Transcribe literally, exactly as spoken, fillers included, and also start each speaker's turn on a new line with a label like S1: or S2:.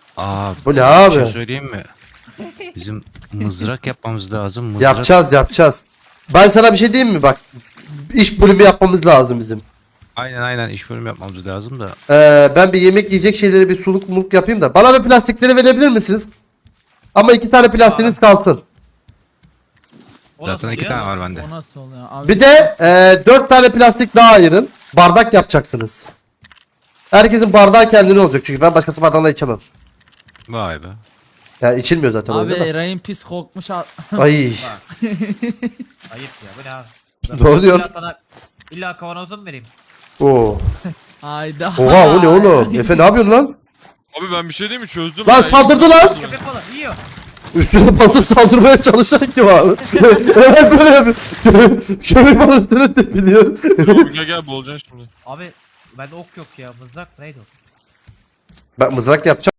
S1: Aa,
S2: Bu ne
S1: bir
S2: abi?
S1: şey söyleyeyim mi? Bizim mızrak yapmamız lazım. Mızrak...
S2: Yapacağız yapacağız. Ben sana bir şey diyeyim mi bak. İş bölümü yapmamız lazım bizim.
S1: Aynen aynen iş bölümü yapmamız lazım da.
S2: Ee, ben bir yemek yiyecek şeyleri bir suluk muluk yapayım da. Bana bir plastikleri verebilir misiniz? Ama iki tane plastiğiniz kalsın.
S3: O nasıl
S1: Zaten iki
S3: oluyor?
S1: tane var bende.
S4: O nasıl oluyor? Abi,
S2: Bir de e, dört tane plastik daha ayırın. Bardak yapacaksınız. Herkesin bardağı kendine olacak çünkü ben başkası bardağında içemem.
S1: Vay be.
S2: Ya içilmiyor zaten
S4: abi
S2: öyle de.
S4: Eray'ın pis kokmuş. a-
S2: Ay.
S3: Ayıp ya bu ne abi?
S2: Doğru diyor.
S3: İlla sana illa kavanozu mu vereyim?
S2: Oo.
S4: Hayda.
S2: Oha o ne oğlum? Efe ne yapıyorsun lan?
S5: Abi ben bir şey diyeyim mi? Çözdüm.
S2: Lan
S5: ben.
S2: saldırdı lan!
S3: Köpek balığı yiyor.
S2: Üstüne batıp saldırmaya çalışarak ki abi. Evet böyle yapıyor. Köpek bana üstüne tepiniyor.
S5: Dur, Gel gel bulacaksın şimdi.
S3: Abi bende ok yok ya mızrak neydi o?
S2: Ben mızrak yapacağım.